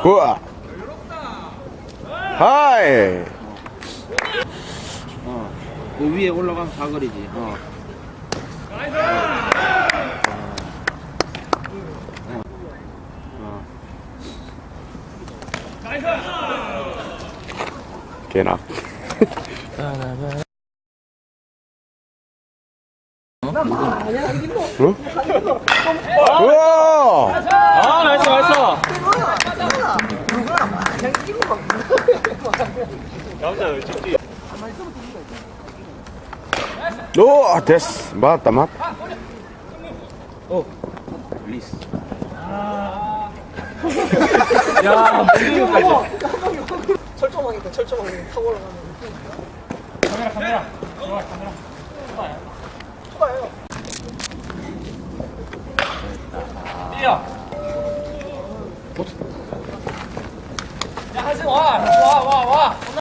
굿. 하이. 그 위에 올라가면 사거리지. 개나. 응? 우와! 아, 나이스, 나이스. 오, 됐어. 맞다, 맞다. 리스. 야, 무리까지. 철조망이다, 철조망이 타고 올라가는. 카메라. 좋아, 카메라. 초바예요. 뛰어. 야, 하지 마. 와.